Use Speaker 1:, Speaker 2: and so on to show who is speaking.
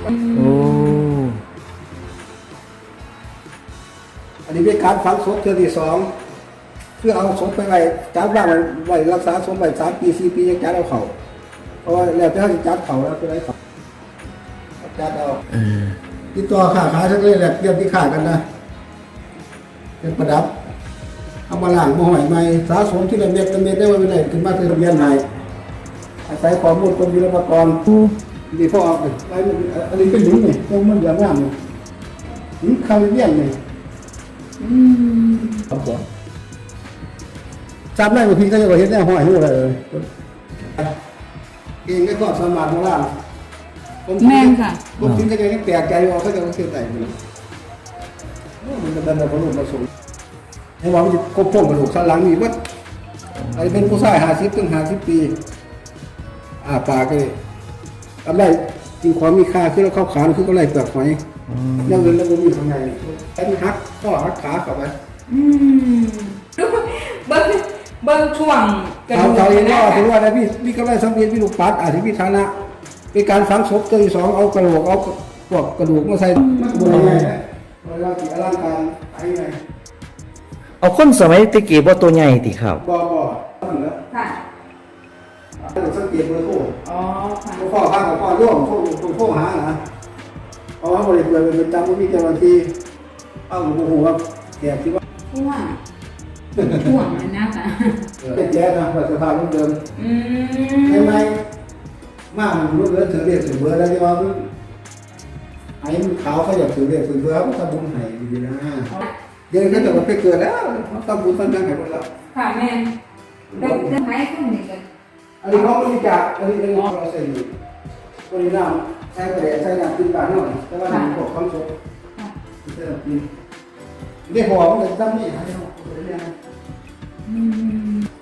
Speaker 1: โอ้
Speaker 2: อันนี้เป็นการฝังศพเทือที่สองเพื่อเอาศพไปไว้จัดบ้านไว้รักษาศพไว้3 ปี 4 ปียังจัดเอาเขาเพราะว่าแล้วจะให้จัดเขาแล้วจะได้เขาจัดเอาติดต่อค้าขายทั้งเลยแหละเรื่องที่ขายกันนะเป็นประดับเอามาล้างมาห่อยใหม่สะสมที่ละเม็ดได้ไว้ไหนขึ้นมาเป็นทะเบียนใหม่อาศัยข้อมูลกรมศิลปากรดีพ่อเอาไปอันนี้เป็นหญิงนี่ต้องมันอย่างงามนี่หญิงคาริเบียนนี่ครับผมจำได้บางทีก็จะเห็นแน่ห้อยหูเลยเองก็สามารถมาล่าง
Speaker 3: แม่นค่ะ
Speaker 2: ผมคิดก็ยังแปลกใจว่าเขาจะมาเชื่อใจมันจะเป็นแบบกระดูกผสมให้ว่ามันจะกบพวกกระดูกสันหลังมีวัดอะไรเป็นผู้ชาย50 ถึง 50 ปีปากเลยทำได้จริงความมีค่าคือเราเข้าขานคือก็ไล่เปลือกหอยแล้วเงินแล้วก็มีข้างในแค่หักข้อหักขาเข้าไป
Speaker 3: เบิ้งช่วง
Speaker 2: กระดูกเขาเองว่าถือว่าได้พี่ก็ได้สังเกตพี่ลูกปัดอาจจะพี่ฐานะเป็นการฝังศพตัวที่สองเอากระโหลกเอาพวกกระดูกมาใส่มันบริเวณเราที่อลังการไอ้ไง
Speaker 1: เอาคนสมัยตะกี้บ่ตัวใหญ่ติครับ
Speaker 2: บ่เหรอ
Speaker 3: ค่ะ
Speaker 2: สังเกตเบอร์โทร
Speaker 3: อ๋อค่ะ
Speaker 2: พ่อข้างกับพ่อร่วมโทรหานะเพราะว่าบริเวณเป็นจำว่ามีเจ้าหน้าที่เอาหลวงปู่ว่าแกคิดว่า
Speaker 3: ช่วงนั้นนะค่ะ
Speaker 2: เป็นแจ๊สนะสภาพรุ่นเดิมไม่มากรุ่นเดิมถือเรียกถือเบอร์แล้วที่ว่าไอ้ขาวเขาอยากถือเรียกถือเบอร์เขาทำบุญให้ดีนะเดี๋ยวนี้ก็จะไปเกิดแล้วเขาทำบุญตั้งแต่ไหนหมดแล้ว
Speaker 3: ค่ะแม่ได้ไหมขึ้นนี่กัน
Speaker 2: อันนี้เขาบริจาคอันนี้เราเซ็นบริจาคใช้กระเดาษใช้น้ำกินปากหน่อยแต่ว่าหนึ่งพวกความสุขใช้น้ำกินได้หอมเลยตั้งนี่ให้เขา